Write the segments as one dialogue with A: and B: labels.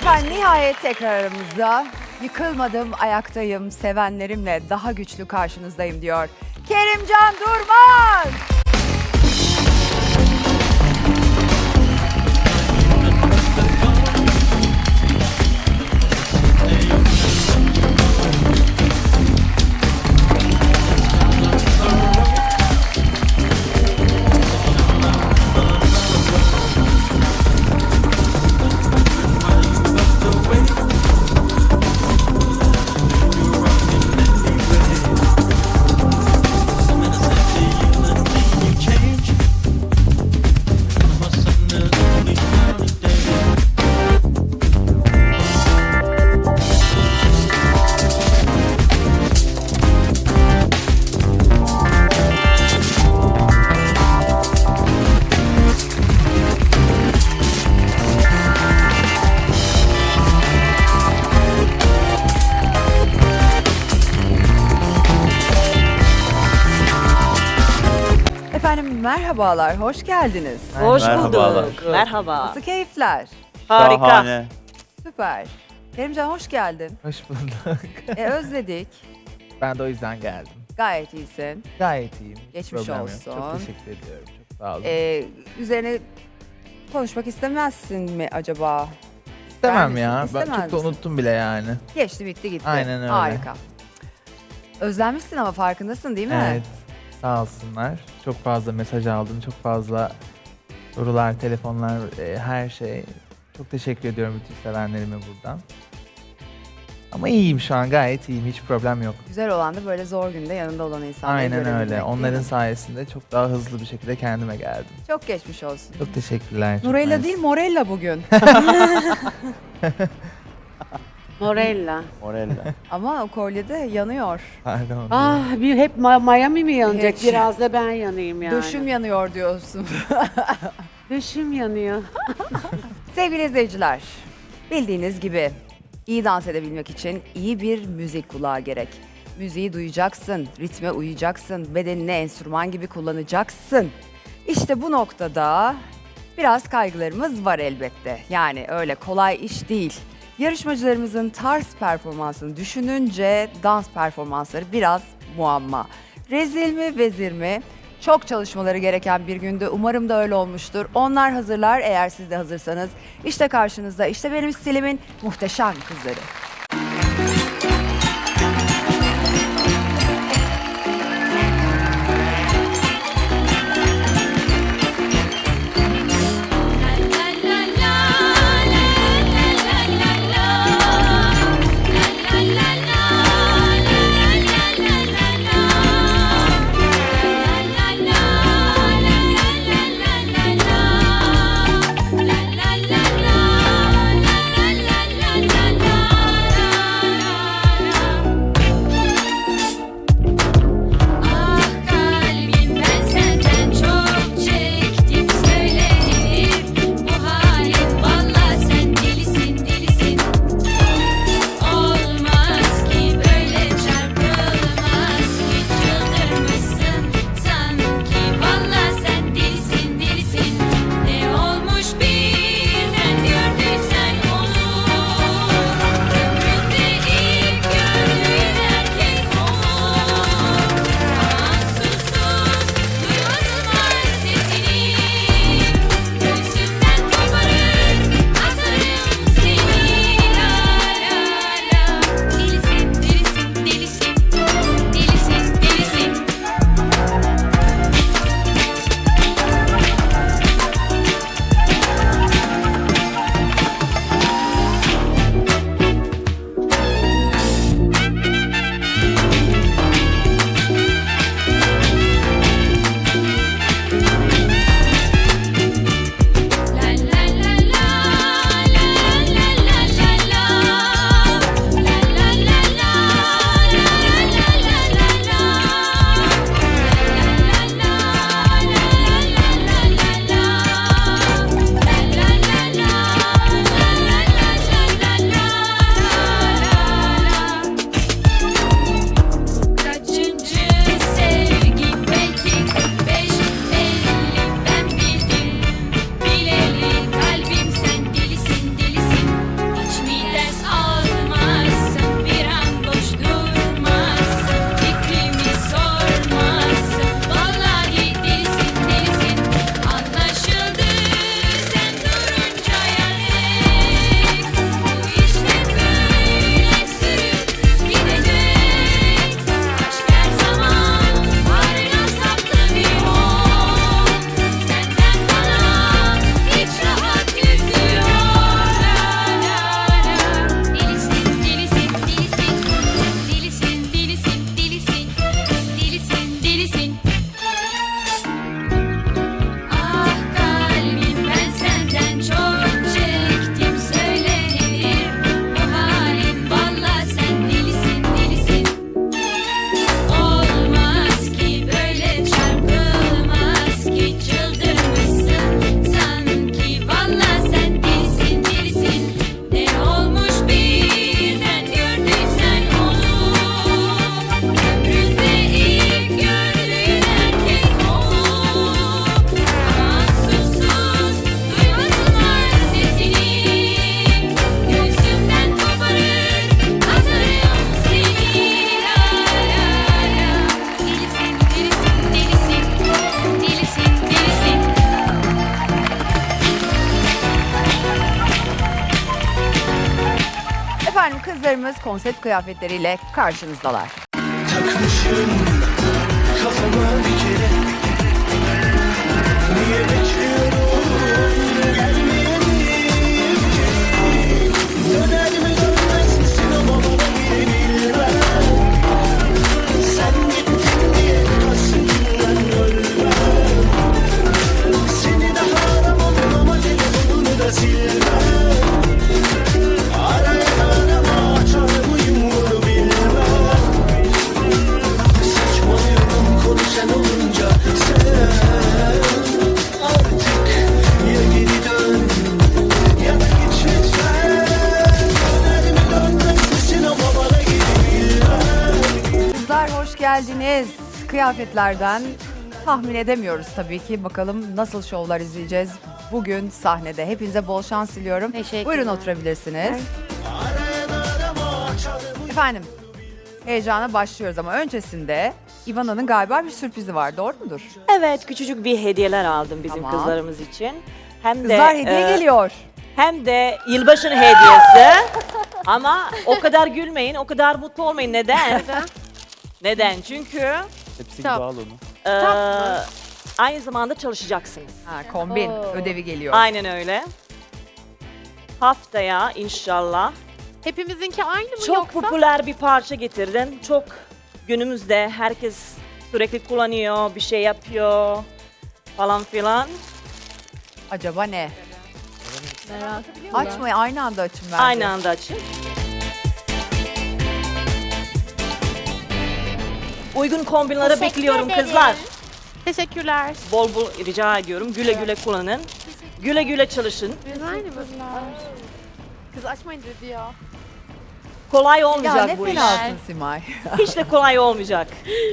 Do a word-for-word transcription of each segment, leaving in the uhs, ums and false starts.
A: Efendim nihayet tekrar aramızda. Yıkılmadım, ayaktayım, sevenlerimle daha güçlü karşınızdayım diyor. Kerimcan Durmaz. Efendim merhabalar, hoş geldiniz.
B: Hoş
C: Merhabalar.
B: bulduk. Merhaba.
A: Nasıl keyifler?
B: Harika.
C: Şahane.
A: Süper. Kerimcan hoş geldin.
D: Hoş bulduk.
A: E, özledik.
D: Ben de o yüzden geldim.
A: Gayet iyisin.
D: Gayet iyiyim. Hiç
A: Geçmiş
D: problem yok.
A: olsun.
D: Çok teşekkür ediyorum. Çok sağ olun.
A: E, üzerine konuşmak istemezsin mi acaba?
D: İstemem
A: misin?
D: ya. Ben
A: İstemez
D: çok da
A: misin?
D: unuttum bile yani.
A: Geçti bitti gitti.
D: Aynen öyle.
A: Harika. Özlenmişsin ama farkındasın değil mi?
D: Evet. Sağ olsunlar. Çok fazla mesaj aldım. Çok fazla sorular, telefonlar, e, her şey. Çok teşekkür ediyorum bütün sevenlerime buradan. Ama iyiyim şu an. Gayet iyiyim. Hiç problem yok.
A: Güzel olan da böyle zor günde yanında olan insanları
D: Aynen
A: görebilmek,
D: öyle.
A: değil
D: Onların
A: mi?
D: sayesinde çok daha hızlı bir şekilde kendime geldim.
A: Çok geçmiş olsun.
D: Çok teşekkürler. çok
A: Nurella
D: nice.
A: değil Morella bugün.
B: Morella.
C: Morella.
A: Ama o kolyede yanıyor.
D: Pardon.
B: Ah bir hep Ma- Miami mi yanacak?
A: Hiç.
B: Biraz da ben yanayım yani.
A: Döşüm yanıyor diyorsun.
B: Döşüm yanıyor.
A: Sevgili izleyiciler, bildiğiniz gibi iyi dans edebilmek için iyi bir müzik kulağı gerek. Müziği duyacaksın, ritme uyacaksın, bedenini enstrüman gibi kullanacaksın. İşte bu noktada biraz kaygılarımız var elbette. Yani öyle kolay iş değil. Yarışmacılarımızın tarz performansını düşününce dans performansları biraz muamma. Rezil mi, vezir mi? Çok çalışmaları gereken bir gündü. Umarım da öyle olmuştur. Onlar hazırlar eğer siz de hazırsanız. İşte karşınızda, işte benim stilimin muhteşem kızları. Efendim kızlarımız konsept kıyafetleriyle karşınızdalar.
C: Takmışım kafama bir kere. Niye bekliyorum gelmeyeni? Döner mi dönmez misin ama bana bilmem. Sen gittin diye hasretinden ölmem. Seni daha aramam ama telefonunu da silmem. Arayan arama açar mıyım bunu bilmem. Saçmalıyorum konu sen olunca. Sen artık ya geri dön ya da git lütfen. Döner mi dönmez misin ama bana geri bilmem.
A: Kızlar hoş geldiniz. Kıyafetlerden tahmin edemiyoruz tabii ki. Bakalım nasıl şovlar izleyeceğiz bugün sahnede. Hepinize bol şans diliyorum.
B: Teşekkürler.
A: Buyurun oturabilirsiniz. Efendim heyecana başlıyoruz ama öncesinde Ivana'nın galiba bir sürprizi var. Doğru mudur?
E: Evet, küçücük bir hediyeler aldım bizim
A: Tamam.
E: kızlarımız için. Hem de
A: Kızlar hediye
E: e,
A: geliyor.
E: hem de yılbaşının hediyesi. Ama o kadar gülmeyin, o kadar mutlu olmayın. Neden? Neden? Çünkü
F: Hepsi gibi al onu.
E: e, aynı zamanda çalışacaksınız.
A: Ha, kombin
B: Oo.
A: ödevi geliyor.
E: Aynen öyle. Haftaya inşallah
G: Hepimizinki aynı mı
E: çok
G: yoksa?
E: popüler bir parça getirdim. Çok günümüzde herkes sürekli kullanıyor, bir şey yapıyor falan filan.
A: Acaba ne?
G: Merak
A: Açmayı aynı anda açın bence.
E: Aynı anda açın. Uygun kombinleri bekliyorum kızlar.
G: Teşekkürler.
E: Bol bol rica ediyorum. Güle güle kullanın. Güle güle çalışın.
G: Aynı mı? Kız açmayın dedi ya.
E: Kolay
A: Ya
E: olmayacak
A: ne
E: bu iş.
A: fenasın Simay.
E: Hiç de kolay olmayacak.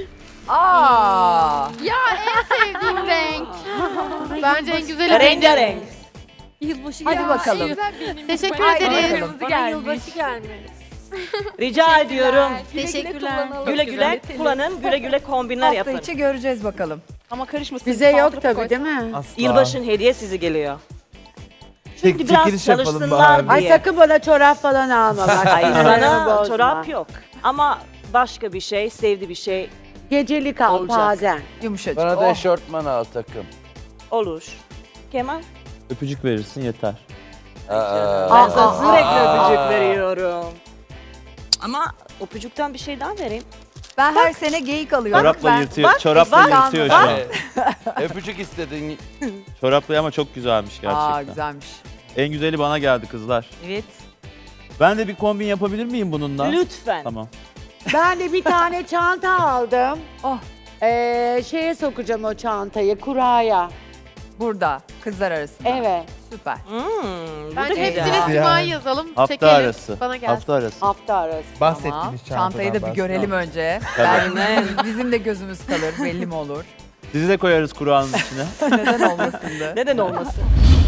A: Aa.
G: Ya en sevdiğim renk. Bence en güzeli
E: Rengarenk.
G: Yılbaşı
A: Hadi bakalım.
G: Teşekkür
A: Haydi
G: ederiz.
A: bakalım.
G: Bana yılbaşı gelmiş.
E: Rica ediyorum.
G: Teşekkürler.
E: Güle güle kullanın. Güle güle kombinler
A: Hafta
E: yapın.
A: içi göreceğiz bakalım.
G: Ama karışmasın.
B: Bize yok tabii değil mi?
D: Asla.
E: Yılbaşın hediye size geliyor.
D: Çek-
E: Çünkü biraz
D: çekiliş yapalım
E: çalışsınlar
D: bari.
B: Ay
E: diye.
B: sakın bana çorap falan alma bak.
E: Hayır
B: Sinirlerimi
E: sana
B: bozma.
E: çorap yok. Ama başka bir şey, sevdiği bir şey
B: Gecelik al
E: Olacak.
B: bazen.
A: Yumuşacık.
F: Bana da
A: Oh.
F: eşortman al takım.
E: olur. Kemal?
H: Öpücük verirsin yeter.
E: Ben
B: Aa,
E: sana
B: aa,
E: sürekli
B: aa.
E: öpücük veriyorum. Ama öpücükten bir şey daha vereyim.
A: Ben her sene geyik alıyorum.
H: Çorapla
A: Ben-
H: yırtıyor,
A: Bak,
H: çorapla
A: bak,
H: yırtıyor
A: bak.
H: şu an.
F: Öpücük istedin.
H: Çoraplı ama çok güzelmiş gerçekten.
A: Aa güzelmiş.
H: En güzeli bana geldi kızlar.
A: Evet.
H: Ben de bir kombin yapabilir miyim bununla?
E: Lütfen.
H: Tamam.
B: Ben de bir tane çanta aldım.
A: Oh.
B: Ee, şeye sokacağım o çantayı, kuraya.
A: Burada kızlar arasında.
B: Evet,
A: Süper.
E: Hmm, bu da
G: Bence
E: güzel.
G: hepsine
D: Yani.
G: Simay yazalım.
H: Hafta
G: çekelim.
H: arası.
G: Bana gelsin.
H: Hafta arası.
B: hafta arası.
D: Bahsettiğiniz
A: Tamam.
D: çantadan
A: Çantayı da bir
D: bahsediyorum.
A: görelim önce.
H: Tabii.
A: Belki bizim, bizim de gözümüz kalır. Belli mi olur?
H: Sizi de koyarız Kur'an'ın içine.
A: Neden olmasın da.
E: Neden olmasın?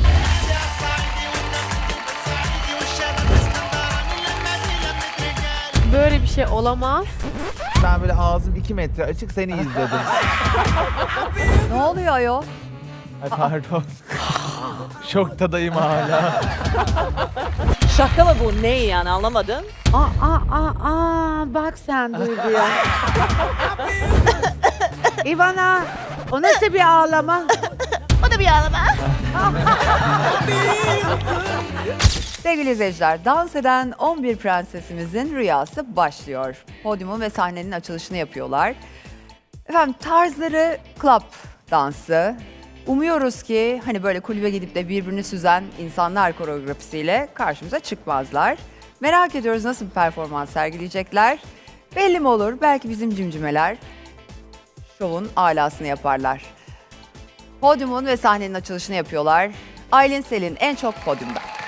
G: Böyle bir şey olamaz.
D: Ben böyle ağzım iki metre açık seni izledim.
A: Ne oluyor ayol?
D: Ay pardon. Şoktadayım hala.
E: Şaka mı bu? Ne yani anlamadım.
B: Aa, aa, aa, aa, bak sen Duygu'ya. İvana, o nasıl bir ağlama?
A: Sevgili izleyiciler, dans eden on bir prensesimizin rüyası başlıyor. Podyumun ve sahnenin açılışını yapıyorlar. Efendim tarzları club dansı. Umuyoruz ki hani böyle kulübe gidip de birbirini süzen insanlar koreografisiyle karşımıza çıkmazlar. Merak ediyoruz nasıl bir performans sergileyecekler. Belli mi olur? Belki bizim cimcimeler şovun alasını yaparlar. Podyumun ve sahnenin açılışını yapıyorlar. Aylin Selin en çok podyumda.